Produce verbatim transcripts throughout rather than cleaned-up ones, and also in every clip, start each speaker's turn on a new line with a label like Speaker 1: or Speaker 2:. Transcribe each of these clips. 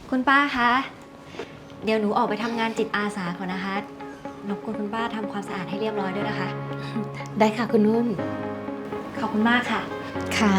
Speaker 1: คุณป้าคะเดี๋ยวหนูออกไปทำงานจิตอาสาก่อนนะคะรบกวนคุณป้าทำความสะอาดให้เรียบร้อยด้วยนะคะ
Speaker 2: ได้ค่ะคุณนุ่น
Speaker 1: ขอบคุณมากค่ะ
Speaker 2: ค่ะ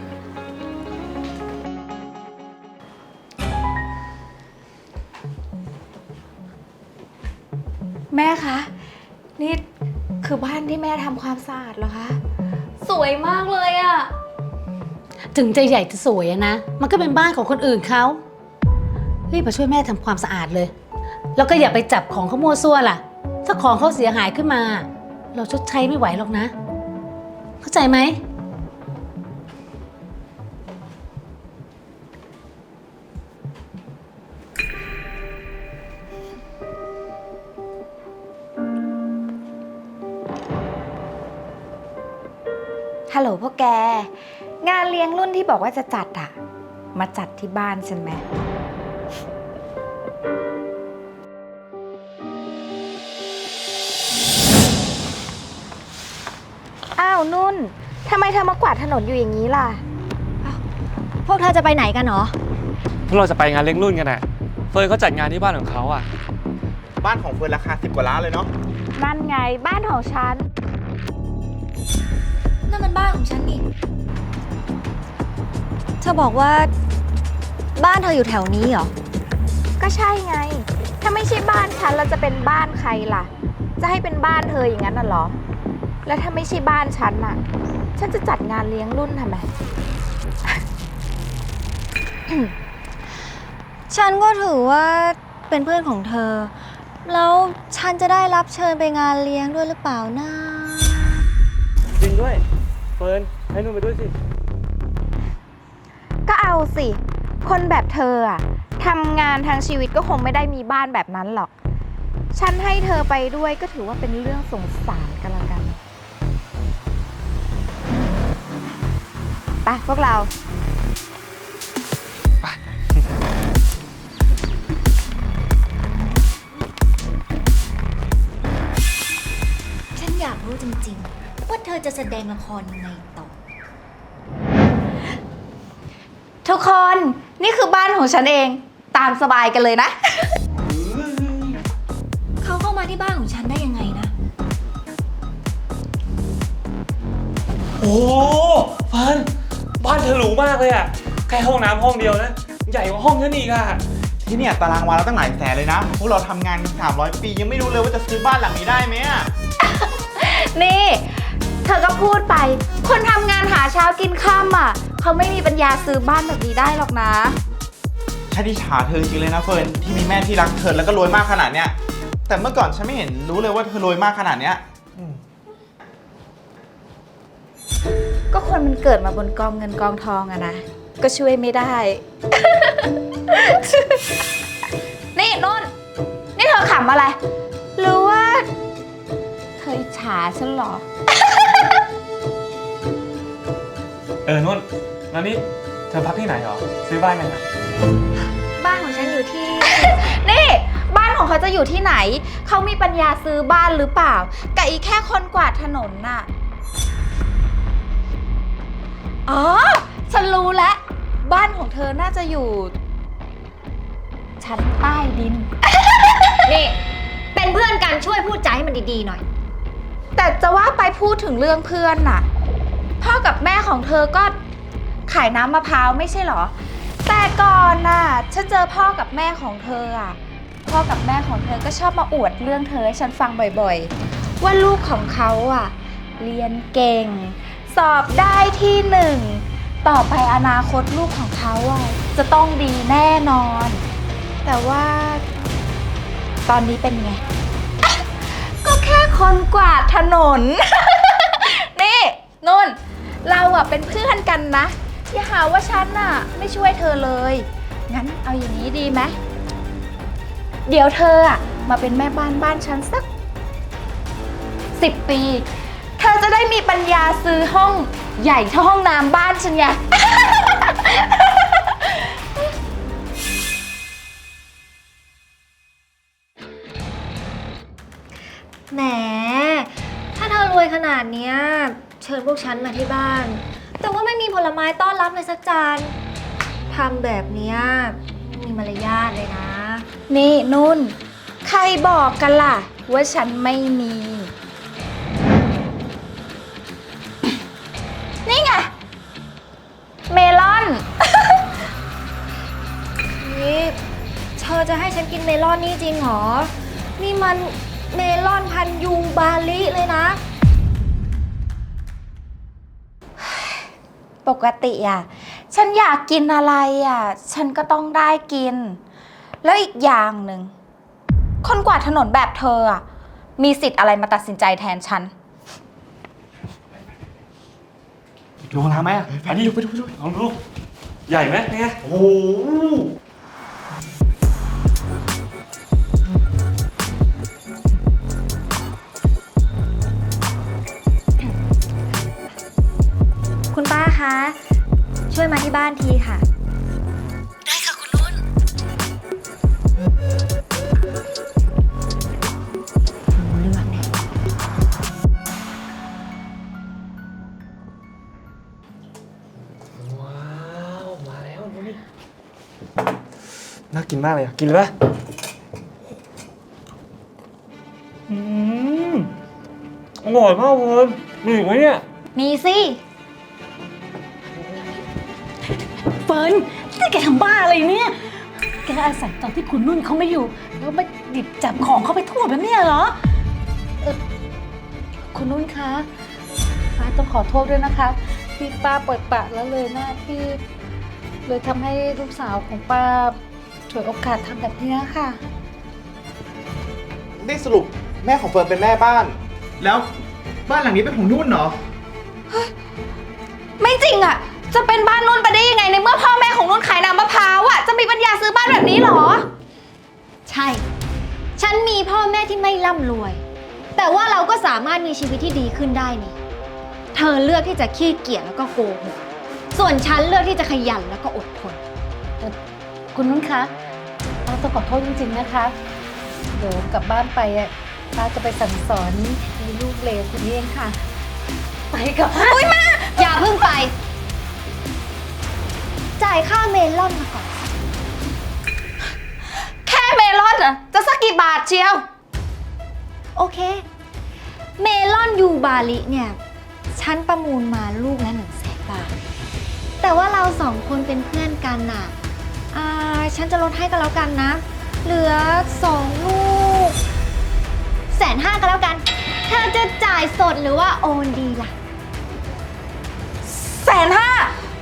Speaker 2: แม่คะนี่คือบ้านที่แม่ทำความสะอาดเหรอคะ
Speaker 1: สวยมากเลยอะ
Speaker 2: ถึงจะใหญ่จะสวยอะนะมันก็เป็นบ้านของคนอื่นเขารีบมาช่วยแม่ทำความสะอาดเลยแล้วก็อย่าไปจับของเขามั่วซั่วล่ะถ้าของเขาเสียหายขึ้นมาเราชดใช้ไม่ไหวหรอกนะเข้าใจไหม
Speaker 3: ฮัลโหลพวกแกงานเลี้ยงรุ่นที่บอกว่าจะจัดอะมาจัดที่บ้านฉันไหมอ้าวนุ่นทำไมเธอมากวาดถนนอยู่อย่างนี้ล่ะ
Speaker 1: พวกเธอจะไปไหนกันหรอ
Speaker 4: พวกเราจะไปงานเลี้ยงรุ่นกันน่ะเฟิร์นเขาจัดงานที่บ้านของเขาอ่ะ
Speaker 5: บ้านของเฟิร์นราคาสิบกว่าล้านเลยเนาะ
Speaker 3: นั่นไงบ้านของฉัน
Speaker 1: นั่นมันบ้านของฉันนี่เธอบอกว่าบ้านเธออยู่แถวนี้เหรอ
Speaker 3: ก็ใช่ไงถ้าไม่ใช่บ้านฉันแล้วจะเป็นบ้านใครล่ะจะให้เป็นบ้านเธออย่างนั้นน่ะเหรอแล้วถ้าไม่ใช่บ้านฉันน่ะฉันจะจัดงานเลี้ยงรุ่นทำไม
Speaker 1: ฉันก็ถือว่าเป็นเพื่อนของเธอแล้วฉันจะได้รับเชิญไปงานเลี้ยงด้วยหรือเปล่านะ
Speaker 4: จริงด้วยเฟิร์นให้นุ่นไปด้วยสิ
Speaker 3: ก็เอาสิคนแบบเธออะทำงานทางชีวิตก็คงไม่ได้มีบ้านแบบนั้นหรอกฉันให้เธอไปด้วยก็ถือว่าเป็นเรื่องสงสารกันละกันไปพวกเรา
Speaker 1: ฉันอยากรู้จริงๆว่าเธอจะแสดงละครยังไงต่อ
Speaker 3: ทุกคนนี่คือบ้านของฉันเองตามสบายกันเลยนะ
Speaker 1: เขาเข้ามาที่บ้านของฉันได้ยังไงนะ
Speaker 4: โอ้เฟิร์นบ้านเธอหรูมากเลยอ่ะแค่ห้องน้ำห้องเดียวนะใหญ่กว่าห้องฉันอีกอ่ะ
Speaker 5: ที่เนี่ยตารางวาเราตั้งหลายแสนเลยนะพวกเราทำงานสามร้อยปียังไม่รู้เลยว่าจะซื้อบ้านหลังนี้ได้ไหมอะ
Speaker 3: นี่เธอก็พูดไปคนทำงานหาเช้ากินค่ำอ่ะเขาไม่มีปัญญาซื้อบ้านแบบนี้ได้หรอกนะ
Speaker 5: ฉันอิจฉาเธอจริงเลยนะเฟิร์นที่มีแม่ที่รักเธอแล้วก็รวยมากขนาดเนี้ยแต่เมื่อก่อนฉันไม่เห็นรู้เลยว่าเธอรวยมากขนาดเนี้ย
Speaker 3: ก็คนมันเกิดมาบนกองเงินกองทองอะนะก็ช่วยไม่ได้ นี่นนท์นี่เธอขำอะไรหรือว่าเธออิจฉาฉันเหรอ
Speaker 4: เออนุ่นแล้วนี่เธอพักที่ไหนหรอซื้อบ้านยังไง
Speaker 1: บ้านของฉันอยู่ที่
Speaker 3: นี่บ้านของเขาจะอยู่ที่ไหนเขามีปัญญาซื้อบ้านหรือเปล่ากับอีแค่คนกวาดถนนน่ะอ๋อฉันรู้แล้วบ้านของเธอน่าจะอยู่ชั้นใต้ดิน
Speaker 1: นี่เป็นเพื่อนกันช่วยพูดใจให้มันดีๆหน่อย
Speaker 3: แต่จะว่าไปพูดถึงเรื่องเพื่อนน่ะพ่อกับแม่ของเธอก็ขายน้ำมะพร้าวไม่ใช่เหรอแต่ก่อนน่ะฉันเจอพ่อกับแม่ของเธออ่ะพ่อกับแม่ของเธอก็ชอบมาอวดเรื่องเธอให้ฉันฟังบ่อยๆว่าลูกของเขาอ่ะเรียนเก่งสอบได้ที่หนึ่งต่อไปอนาคตลูกของเขาอ่ะจะต้องดีแน่นอนแต่ว่าตอนนี้เป็นไง ก็แค่คนกวาดถนน นี่นุ่นเราอ่ะเป็นเพื่อนกันนะอย่าหาว่าฉันน่ะไม่ช่วยเธอเลยงั้นเอาอย่างนี้ดีไหมเดี๋ยวเธออ่ะมาเป็นแม่บ้านบ้านฉันสักสิบปีเธอจะได้มีปัญญาซื้อห้องใหญ่เท่าห้องน้ำบ้านฉันไง
Speaker 1: แหมถ้าเธอรวยขนาดเนี้ยเชิญพวกฉันมาที่บ้านแต่ว่าไม่มีผลไม้ต้อนรับเลยสักจานทำแบบเนี้ยมีมารยาทเลยนะ
Speaker 3: นี่นุ่น ใครบอกกันล่ะ ว่าฉันไม่มี นี่ไง เมลอน
Speaker 1: นี่เธอจะให้ฉันกินเมลอนนี่จริงเหรอ นี่มันเมลอนพันธุ์ยูบาลิเลยนะ
Speaker 3: ปกติอ่ะ ฉันอยากกินอะไรอ่ะ ฉันก็ต้องได้กิน แล้วอีกอย่างหนึ่ง คนกวาดถนนแบบเธออ่ะ มีสิทธิ์อะไรมาตัดสินใจแทนฉัน
Speaker 4: ดูร้านไหมอ่ะอันนี้ดูไปดูไปดูลองดูใหญ่ไหมเนี่ยโอ้โห
Speaker 1: คุณป้าคะ ช่วยมาที่บ้านทีค่ะ
Speaker 2: ได้ค่ะคุณนุ่น
Speaker 1: รู้เรื่องแน่
Speaker 4: ว้าวมาแล้วดูนี่น่ากินมากเลยอ่ะกินเลยปะอืมอร่อยมากเลยมีอีกไหมเนี่ย
Speaker 1: มีสิ
Speaker 2: เฟิร์นนี่แกทำบ้าอะไรเนี่ย แกอาศัยตอนที่คุณนุ่นเขาไม่อยู่ แล้วมาหยิบจับของเขาไปทั่วแบบเนี้ยเหรอเออคุณนุ่นคะป้าต้องขอโทษด้วยนะคะ ที่ป้าเปิดปากแล้วเลยหน้าที่ เลยทำให้ลูกสาวของป้าฉวยโอกาสทำแบบเนี้ยค่ะ
Speaker 5: ได้สรุปแม่ของเฟิร์นเป็นแม่บ้าน แล้วบ้านหลังนี้เป็นของนุ่นเหรอ
Speaker 3: ไม่จริงอ่ะ จะเป็นบ้านนุ่นไปได้ยังไงในเมื่อพ่อแม่ของนุ่นขายน้ำมะพร้าวอ่ะ จะมีปัญญาซื้อบ้านแบบนี้เหรอ
Speaker 1: ใช่ ฉันมีพ่อแม่ที่ไม่ร่ำรวย แต่ว่าเราก็สามารถมีชีวิตที่ดีขึ้นได้นี่ เธอเลือกที่จะขี้เกียจแล้วก็โกหก ส่วนฉันเลือกที่จะขยันแล้วก็อดทน
Speaker 2: คุณนุ่นคะป้าต้องขอโทษจริงๆนะคะ เดี๋ยวกลับบ้านไปอ่ะป้าจะไปสั่งสอนมีลูกเลวคนนี้เองค่ะ ไปกับป้า
Speaker 1: อย่าเพิ่งไป จ่ายค่าเมลอนมาก่อน
Speaker 3: แค่เมลอนอ่ะ จะสักกี่บาทเชียว
Speaker 1: โอเค เมลอนยูบาลิเนี่ย ฉันประมูลมาลูกละหนึ่งแสนบาท แต่ว่าเราสองคนเป็นเพื่อนกันน่ะ อ่า ฉันจะลดให้ก็แล้วกันนะ เหลือสองลูกแสนห้าก็แล้วกัน เธอจะจ่ายสดหรือว่าโอนดีล่ะ
Speaker 3: แสนห้า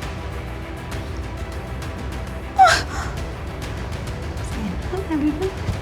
Speaker 2: แสนห้า